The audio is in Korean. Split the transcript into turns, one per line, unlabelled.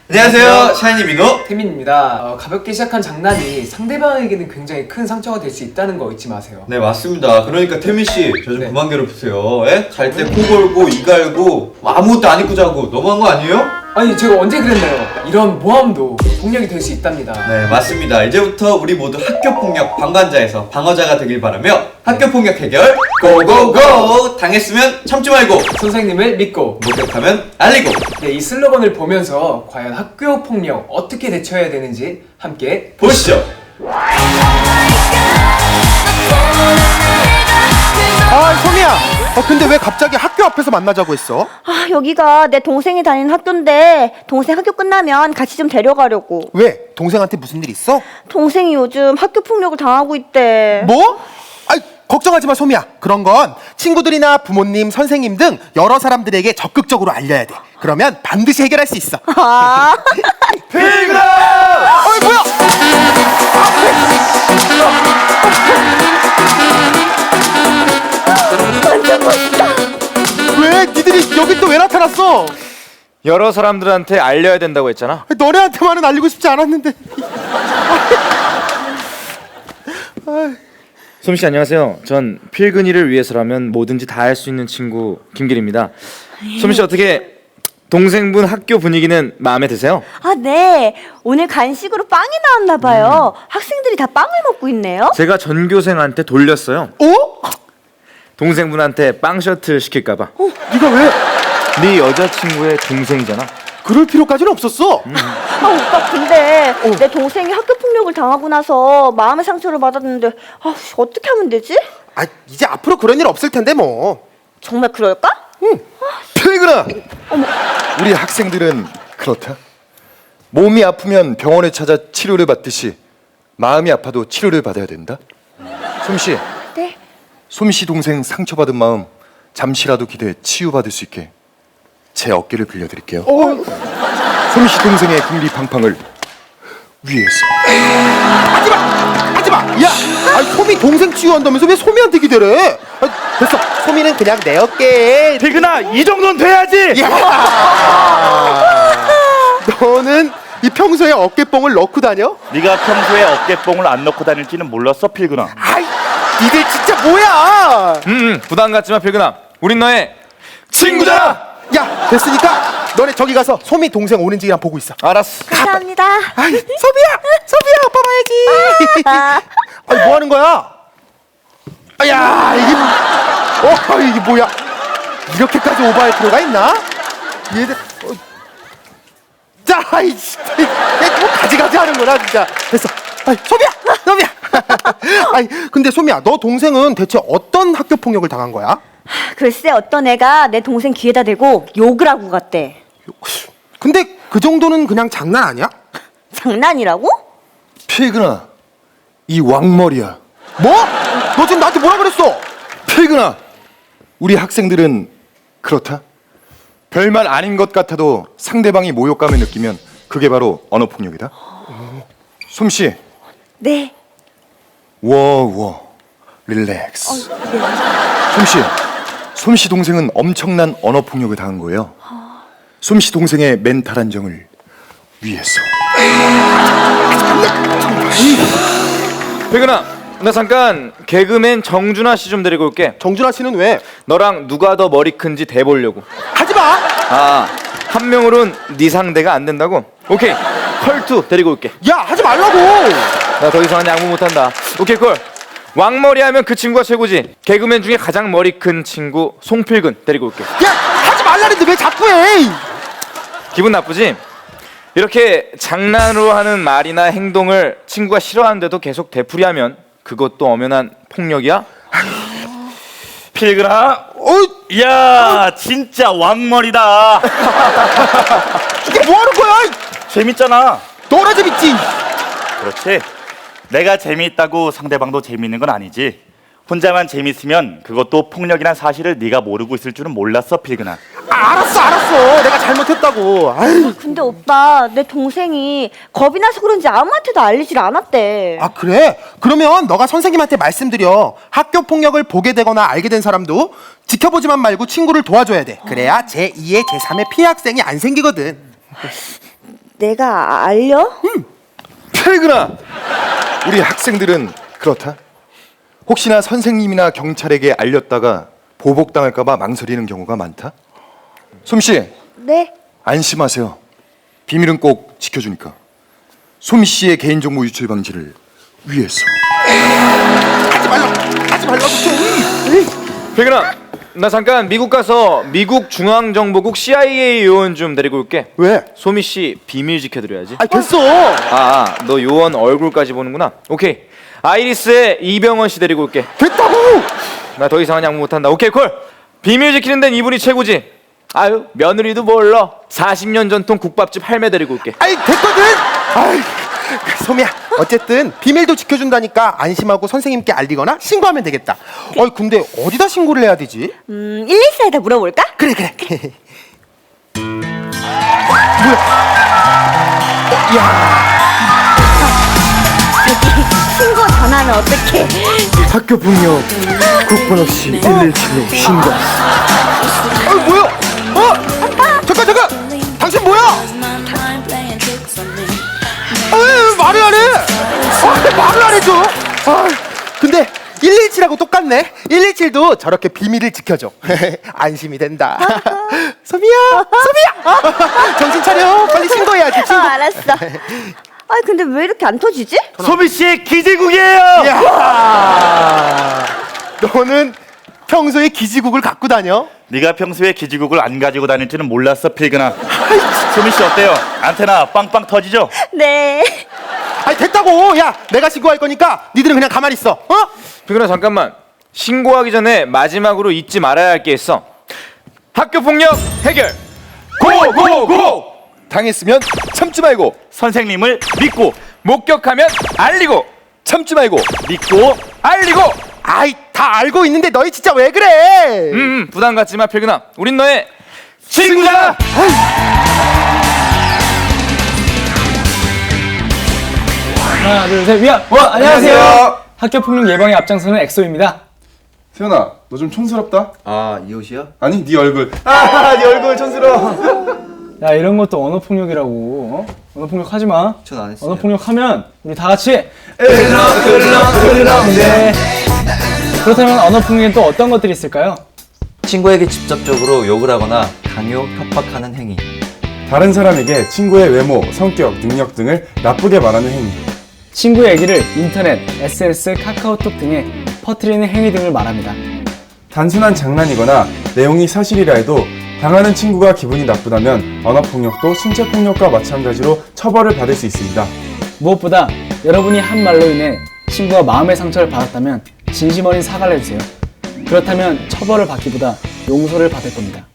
안녕하세요, 샤이니 민호
태민입니다. 가볍게 시작한 장난이 상대방에게는 굉장히 큰 상처가 될 수 있다는 거 잊지 마세요.
네, 맞습니다. 그러니까 태민씨, 저 좀
네.
그만 괴롭히세요. 예? 잘 때 코 골고 이 갈고 아무것도 안 입고 자고 너무한 거 아니에요?
아니 제가 언제 그랬나요? 이런 모함도 폭력이 될 수 있답니다.
네, 맞습니다. 이제부터 우리 모두 학교폭력 방관자에서 방어자가 되길 바라며 학교폭력 해결 고고고! 당했으면 참지 말고
선생님을 믿고
목격하면 알리고.
네, 이 슬로건을 보면서 과연 학교 폭력 어떻게 대처해야 되는지 함께
보시죠.
아, 소미야. 근데 왜 갑자기 학교 앞에서 만나자고 했어?
아, 여기가 내 동생이 다니는 학교인데 동생 학교 끝나면 같이 좀 데려가려고.
왜? 동생한테 무슨 일 있어?
동생이 요즘 학교 폭력을 당하고 있대.
뭐? 아이, 걱정하지 마, 소미야. 그런 건 친구들이나 부모님, 선생님 등 여러 사람들에게 적극적으로 알려야 돼. 그러면 반드시 해결할 수 있어.
아,
필그라!
어이, 뭐야?
완전 멋있다.
왜? 니들이 여기 또 왜 나타났어?
여러 사람들한테 알려야 된다고 했잖아.
너네한테만은 알리고 싶지 않았는데.
솜씨 안녕하세요. 전 필근이를 위해서라면 뭐든지 다 할 수 있는 친구 김길입니다. 솜씨 어떻게 동생분 학교 분위기는 마음에 드세요?
아, 네. 오늘 간식으로 빵이 나왔나 봐요. 학생들이 다 빵을 먹고 있네요.
제가 전교생한테 돌렸어요.
어?
동생분한테 빵 셔틀 시킬까봐.
네가 왜?
네 여자친구의 동생이잖아.
그럴 필요까지는 없었어.
아, 오빠, 근데 내 동생이 학교 폭력을 당하고 나서 마음의 상처를 받았는데 어떻게 하면 되지?
아, 이제 앞으로 그런 일 없을 텐데 뭐.
정말 그럴까?
필근아! 우리 학생들은 그렇다. 몸이 아프면 병원에 찾아 치료를 받듯이 마음이 아파도 치료를 받아야 된다. 솜씨,
네.
솜씨 동생 상처받은 마음 잠시라도 기대해 치유받을 수 있게 제 어깨를 빌려드릴게요. 솜씨 동생의 궁리팡팡을 위해서.
하지마! 야! 아니, 소미 동생 치유한다면서 왜 소미한테 기대래? 됐어. 소미는 그냥 내 어깨에.
필근아, 이 정도는 돼야지.
너는 이 평소에 어깨뽕을 넣고 다녀?
네가 평소에 어깨뽕을 안 넣고 다닐지는 몰랐어, 필근아.
아이, 니들 진짜 뭐야?
부담 갖지마 필근아. 우린 너의 친구잖아.
야, 됐으니까 너네 저기 가서 소미 동생 오는지 그냥 보고 있어.
알았어.
감사합니다.
아이, 소미야, 아빠 봐야지. 아이, 뭐 하는 거야? 아야, 이게 뭐야? 이렇게까지 오버할 필요가 있나? 얘들, 자, 아이, 진짜, 뭐 가지가지 하는구나, 진짜. 됐어. 아이, 소미야. 아이, 근데 소미야, 너 동생은 대체 어떤 학교 폭력을 당한 거야?
글쎄, 어떤 애가 내 동생 귀에다 대고 욕을 하고 갔대.
근데 그 정도는 그냥 장난 아니야?
장난이라고?
필근아, 이 왕머리야.
뭐? 너 지금 나한테 뭐라 그랬어?
필근아, 우리 학생들은 그렇다. 별말 아닌 것 같아도 상대방이 모욕감을 느끼면 그게 바로 언어폭력이다. 솜씨,
네.
워워, 릴렉스. 솜씨 동생은 엄청난 언어폭력을 당한 거예요. 솜씨 동생의 멘탈 안정을 위해서.
필근아, 나 잠깐 개그맨 정준하 씨 좀 데리고 올게.
정준하 씨는 왜?
너랑 누가 더 머리 큰지 대보려고.
하지 마!
아, 한 명으론 네 상대가 안 된다고? 오케이, 컬투 데리고 올게.
야, 하지 말라고!
나 더 이상 양보 못한다. 오케이, 콜. 왕머리 하면 그 친구가 최고지. 개그맨 중에 가장 머리 큰 친구 송필근 데리고 올게.
야, 하지 말라는데 왜 자꾸 해!
기분 나쁘지? 이렇게 장난으로 하는 말이나 행동을 친구가 싫어하는데도 계속 되풀이하면 그것도 엄연한 폭력이야?
필근아, 이야, 진짜 왕머리다.
이게 뭐 하는 거야?
재밌잖아.
너나 재밌지?
그렇지. 내가 재미있다고 상대방도 재미있는 건 아니지. 혼자만 재밌으면 그것도 폭력이란 사실을 네가 모르고 있을 줄은 몰랐어, 필근아.
알았어. 내가 잘못했다고. 아유.
근데 오빠, 내 동생이 겁이 나서 그런지 아무한테도 알리질 않았대.
아, 그래? 그러면 너가 선생님한테 말씀드려. 학교 폭력을 보게 되거나 알게 된 사람도 지켜보지만 말고 친구를 도와줘야 돼. 그래야 제2의 제3의 피해 학생이 안 생기거든.
내가 알려?
필근아, 우리 학생들은 그렇다. 혹시나 선생님이나 경찰에게 알렸다가 보복당할까봐 망설이는 경우가 많다. 솜씨,
네.
안심하세요. 비밀은 꼭 지켜주니까. 솜씨의 개인정보 유출 방지를 위해서.
필근아, 나 잠깐 미국 가서 미국 중앙정보국 CIA 요원 좀 데리고 올게.
왜?
소미 씨 비밀 지켜드려야지.
아 됐어.
너 요원 얼굴까지 보는구나. 오케이. 아이리스의 이병헌 씨 데리고 올게.
됐다고.
나 더 이상은 양보 못한다. 오케이 콜. 비밀 지키는 데는 이분이 최고지. 아유 며느리도 몰라. 40년 전통 국밥집 할매 데리고 올게.
아이 됐거든. 아이 소미야, 어쨌든 비밀도 지켜준다니까 안심하고 선생님께 알리거나 신고하면 되겠다. 근데 어디다 신고를 해야 되지?
114에다 물어볼까?
그래. 뭐야?
신고 전화는 어떻게?
학교 폭력 국번 없이 117로 신고. 뭐야? 잠깐. 당신 뭐야? 말을 안 해. 말을 안 해줘. 근데 117하고 똑같네. 117도 저렇게 비밀을 지켜줘. 안심이 된다. 소미야. 정신 차려. 빨리 신고해야지.
알았어. 아, 근데 왜 이렇게 안 터지지?
소미 씨의 기지국이에요.
야, 너는 평소에 기지국을 갖고 다녀?
네가 평소에 기지국을 안 가지고 다닐 줄은 몰랐어, 필근아. 소미 씨 어때요? 안테나 빵빵 터지죠?
네.
아니 됐다고. 야, 내가 신고할 거니까 니들은 그냥 가만히 있어.
필근아 잠깐만. 신고하기 전에 마지막으로 잊지 말아야 할 게 있어. 학교 폭력 해결.
고고고! 당했으면 참지 말고,
선생님을 믿고
목격하면 알리고.
참지 말고.
믿고
알리고.
아이 다 알고 있는데 너희 진짜 왜 그래?
부담 갖지 마 필근아. 우린 너의 친구잖아.
하나 둘 셋 위안. 안녕하세요. 학교 폭력 예방에 앞장서는 엑소입니다.
세연아, 너 좀 촌스럽다.
아, 이 옷이야?
아니, 네 얼굴. 네 얼굴 촌스러워.
야, 이런 것도 언어 폭력이라고. 언어 폭력 하지 마.
전 안 했어요.
언어 폭력 하면 우리 다 같이 네. 그렇다면 언어 폭력엔 또 어떤 것들이 있을까요?
친구에게 직접적으로 욕을 하거나 강요, 협박하는 행위.
다른 사람에게 친구의 외모, 성격, 능력 등을 나쁘게 말하는 행위.
친구의 얘기를 인터넷, SNS, 카카오톡 등에 퍼뜨리는 행위 등을 말합니다.
단순한 장난이거나 내용이 사실이라 해도 당하는 친구가 기분이 나쁘다면 언어폭력도 신체폭력과 마찬가지로 처벌을 받을 수 있습니다.
무엇보다 여러분이 한 말로 인해 친구가 마음의 상처를 받았다면 진심 어린 사과를 해주세요. 그렇다면 처벌을 받기보다 용서를 받을 겁니다.